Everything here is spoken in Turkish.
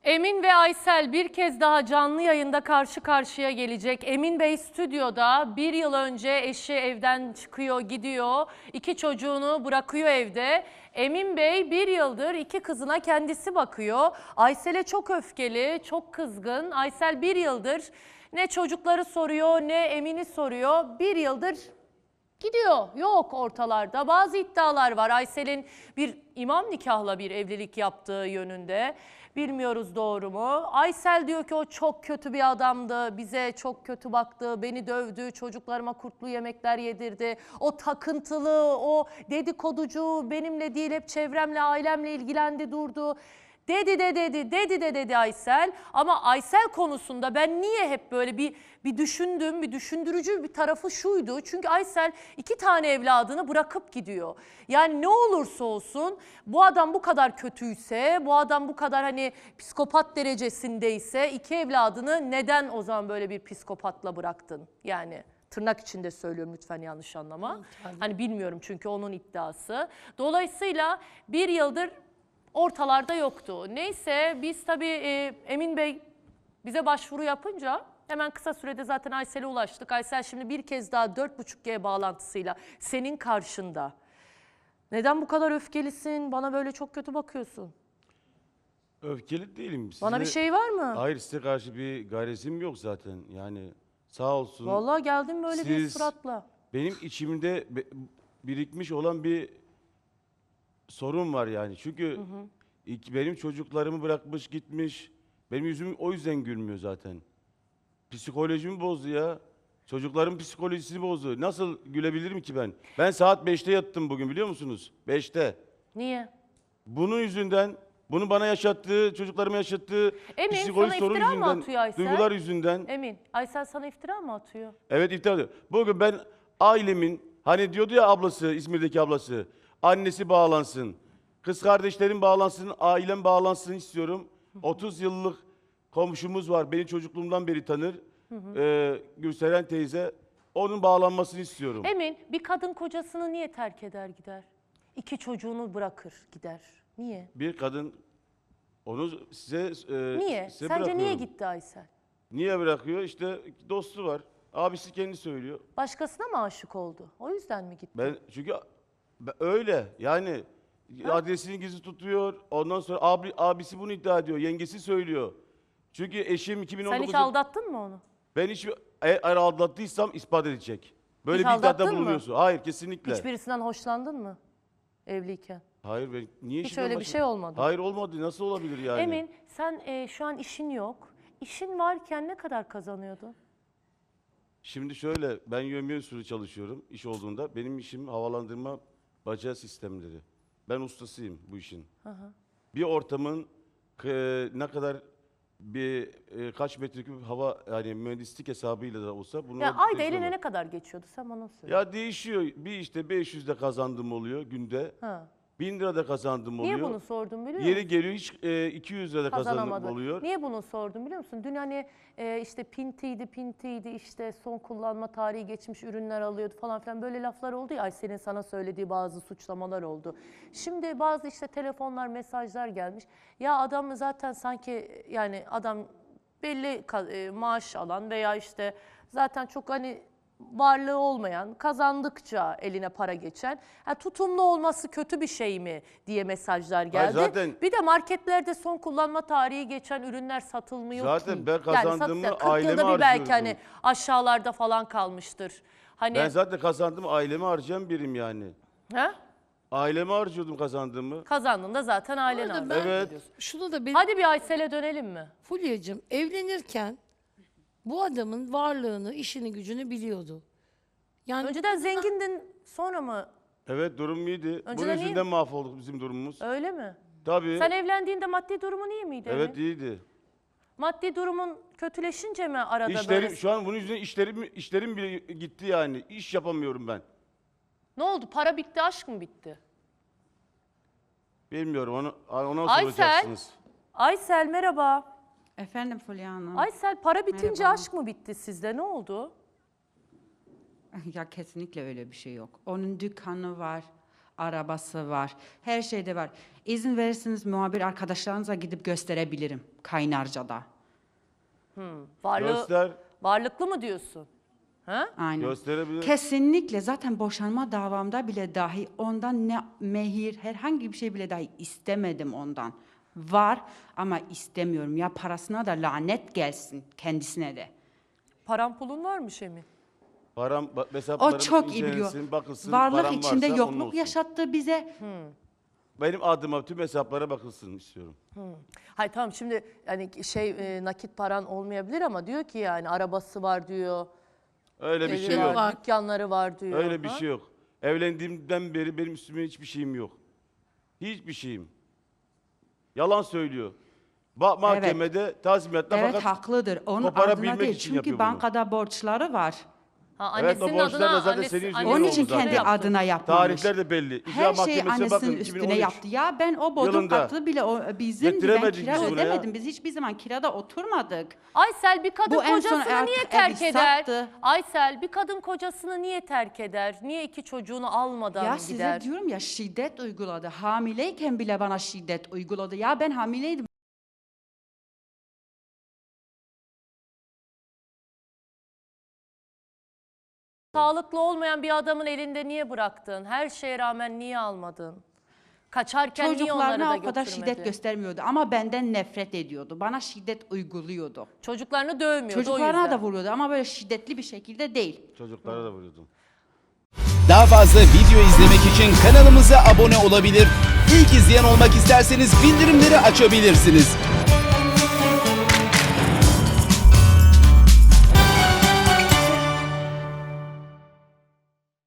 Emin ve Aysel bir kez daha canlı yayında karşı karşıya gelecek. Emin Bey stüdyoda, bir yıl önce eşi evden çıkıyor, gidiyor. 2 çocuğunu bırakıyor evde. Emin Bey bir yıldır 2 kızına kendisi bakıyor. Aysel'e çok öfkeli, çok kızgın. Aysel bir yıldır ne çocukları soruyor ne Emin'i soruyor. Bir yıldır gidiyor, yok ortalarda. Bazı iddialar var. Aysel'in bir imam nikahla bir evlilik yaptığı yönünde. Bilmiyoruz doğru mu? Aysel diyor ki o çok kötü bir adamdı, bize çok kötü baktı, beni dövdü, çocuklarıma kurtlu yemekler yedirdi. O takıntılı, o dedikoducu, benimle değil hep çevremle, ailemle ilgilendi durdu. Dedi Aysel. Ama Aysel konusunda ben niye hep böyle bir düşündüm, bir düşündürücü bir tarafı şuydu. Çünkü Aysel 2 tane evladını bırakıp gidiyor. Yani ne olursa olsun bu adam bu kadar kötüyse, bu adam bu kadar hani psikopat derecesindeyse 2 evladını neden o zaman böyle bir psikopatla bıraktın? Yani tırnak içinde söylüyorum, lütfen yanlış anlama. Hani bilmiyorum çünkü onun iddiası. Dolayısıyla bir yıldır ortalarda yoktu. Neyse biz tabii Emin Bey bize başvuru yapınca hemen kısa sürede zaten Aysel'e ulaştık. Aysel şimdi bir kez daha 4.5G bağlantısıyla senin karşında. Neden bu kadar öfkelisin? Bana böyle çok kötü bakıyorsun. Öfkeli değilim. Bana bir şey var mı? Hayır, size karşı bir gayretim yok zaten. Yani sağ olsun. Vallahi geldim böyle bir Siz suratla. benim içimde birikmiş olan bir sorun var yani. Çünkü benim çocuklarımı bırakmış gitmiş. Benim yüzüm o yüzden gülmüyor zaten. Psikolojimi bozdu ya. Çocukların psikolojisini bozdu. Nasıl gülebilirim ki ben? Ben saat 5'te yattım bugün, biliyor musunuz? 5'te. Niye? Bunun yüzünden, bunu bana yaşattığı, çocuklarıma yaşattığı Emin, psikolojik sana sorun iftira mı yüzünden, atıyor Aysel? duygular yüzünden. Emin, Aysel sana iftira mı atıyor? Evet, iftira ediyor. Bugün ben ailemin, hani diyordu ya ablası, İzmir'deki ablası, annesi bağlansın, kız kardeşlerim bağlansın, ailem bağlansın istiyorum. 30 yıllık komşumuz var, beni çocukluğumdan beri tanır. Gülseren teyze, onun bağlanmasını istiyorum. Emin, bir kadın kocasını niye terk eder gider? 2 çocuğunu bırakır gider. Niye? Bir kadın onu size Niye? size Sence niye bırakıyorum. gitti Aysel? Niye bırakıyor? İşte dostu var. Abisi kendi söylüyor. Başkasına mı aşık oldu? O yüzden mi gitti? Ben çünkü öyle yani adresini gizli tutuyor. Ondan sonra abisi bunu iddia ediyor. Yengesi söylüyor. Çünkü eşim 2019'da Sen hiç aldattın mı onu? ben hiç eğer aldattıysam ispat edecek. Böyle Hiç bir iddiada aldattın mı? bulunuyorsun. Hayır, kesinlikle. Hiçbirisinden hoşlandın mı? Evliyken. Hayır, ben niye Hiç işimden öyle bir şey olmadı. Hayır, olmadı. Nasıl olabilir yani? Emin, sen şu an işin yok. İşin varken ne kadar kazanıyordun? Şimdi şöyle, ben yövmiye usulü çalışıyorum iş olduğunda. Benim işim havalandırma bacağı sistemleri. Ben ustasıyım bu işin. Bir ortamın ne kadar kaç metreküp hava, yani mühendislik hesabıyla da olsa bunu Ya ayda eline ne kadar geçiyordu? Sen bana söyle. Ya değişiyor. Bir işte 500'de kazandığım oluyor günde. Ha. 1000 lira da kazandığım oluyor. Niye bunu sordum biliyor Yeri musun? geliyor hiç 200 lira da kazandığım Kazanamadın. oluyor. Niye bunu sordum biliyor musun? Dün hani işte pintiydi işte son kullanma tarihi geçmiş ürünler alıyordu falan filan böyle laflar oldu ya. Aysel'in sana söylediği bazı suçlamalar oldu. Şimdi bazı işte telefonlar, mesajlar gelmiş. Ya adam zaten sanki yani adam belli maaş alan veya işte zaten çok hani varlığı olmayan, kazandıkça eline para geçen, tutumlu olması kötü bir şey mi diye mesajlar geldi. zaten- Bir de marketlerde son kullanma tarihi geçen ürünler satılmıyor Zaten ki. ben kazandığımı 40 aileme yılda bir belki harcıyorum. hani aşağılarda falan kalmıştır. Hani Ben zaten kazandığımı aileme harcayan birim yani. ha? Aileme harcıyordum kazandığımı. Kazandığında zaten ailen arada harcıyor. ben- Evet. Şunu da benim Hadi bir Aysel'e dönelim mi? Fulya'cığım evlenirken bu adamın varlığını, işini, gücünü biliyordu. Yani Önceden zengindin, sonra mı? Evet, durum iyiydi. Bunun Önceden iyi yüzünden mahvolduk bizim durumumuz. Öyle mi? Tabii. Sen evlendiğinde maddi durumun iyi miydi? Evet, Emin? iyiydi. Maddi durumun kötüleşince mi arada İşlerim, böyle? şu an bunun yüzünden işlerim bile gitti yani. İş yapamıyorum ben. Ne oldu? Para bitti, aşk mı bitti? Bilmiyorum, ona Aysel. soracaksınız. Aysel merhaba. Efendim Fulya Hanım. Aysel para bitince Merhaba. aşk mı bitti sizde? Ne oldu? Ya kesinlikle öyle bir şey yok. Onun dükkanı var, arabası var, her şeyde var. İzin verirseniz muhabir arkadaşlarınıza gidip gösterebilirim Kaynarca'da. Göster. Varlıklı mı diyorsun? Ha? Aynen. Gösterebilir. Kesinlikle zaten boşanma davamda bile dahi ondan ne mehir herhangi bir şey bile dahi istemedim ondan. Var ama istemiyorum. Ya parasına da lanet gelsin kendisine de. Paran pulun varmış Emin. Param, O hesaplarım çok iyi biliyor. incelensin, bakılsın. Varlık param içinde varsa onun yokluk olsun. yaşattı bize. Benim adıma tüm hesaplara bakılsın istiyorum. Hayır tamam şimdi hani nakit paran olmayabilir ama diyor ki yani arabası var diyor. Öyle bir evi şey var, yok. Var. dükkanları var diyor. Öyle bir Ha? şey yok. Evlendiğimden beri benim üstüme hiçbir şeyim yok. Hiçbir şeyim. Yalan söylüyor. Mahkemede tazminatta Evet fakat haklıdır. Onun koparabilmek adına değil. için Çünkü yapıyor bunu. bankada borçları var. Ha, Evet, o annesinin borçlar da adına, zaten senin yüzünden Onun oldu için zaten. kendi yaptı. adına yapmamış. tarihler de belli. İcra Her şeyi Mahkemesi'ne annesinin bakın, üstüne 2013. yaptı. Ya ben o bodrum yılında katı bile bizim ben getiremedik kira biz bunu ya. ödemedim. Biz hiçbir zaman kirada oturmadık. Aysel bir kadın Bu en son kocasını niye artık terk evi eder? sattı. Aysel bir kadın kocasını niye terk eder? Niye iki çocuğunu almadan Ya gider? size diyorum ya şiddet uyguladı. Hamileyken bile bana şiddet uyguladı. Ya ben hamileydim. Sağlıklı olmayan bir adamın elinde niye bıraktın? Her şeye rağmen niye almadın? Kaçarken niye onları Çocuklarına da o kadar götürmedi? şiddet göstermiyordu ama benden nefret ediyordu. Bana şiddet uyguluyordu. Çocuklarını dövmüyordu o Çocuklarına yüzden. da vuruyordu ama böyle şiddetli bir şekilde değil. Çocuklara da vuruyordum. Daha fazla video izlemek için kanalımıza abone olabilir. İlk izleyen olmak isterseniz bildirimleri açabilirsiniz.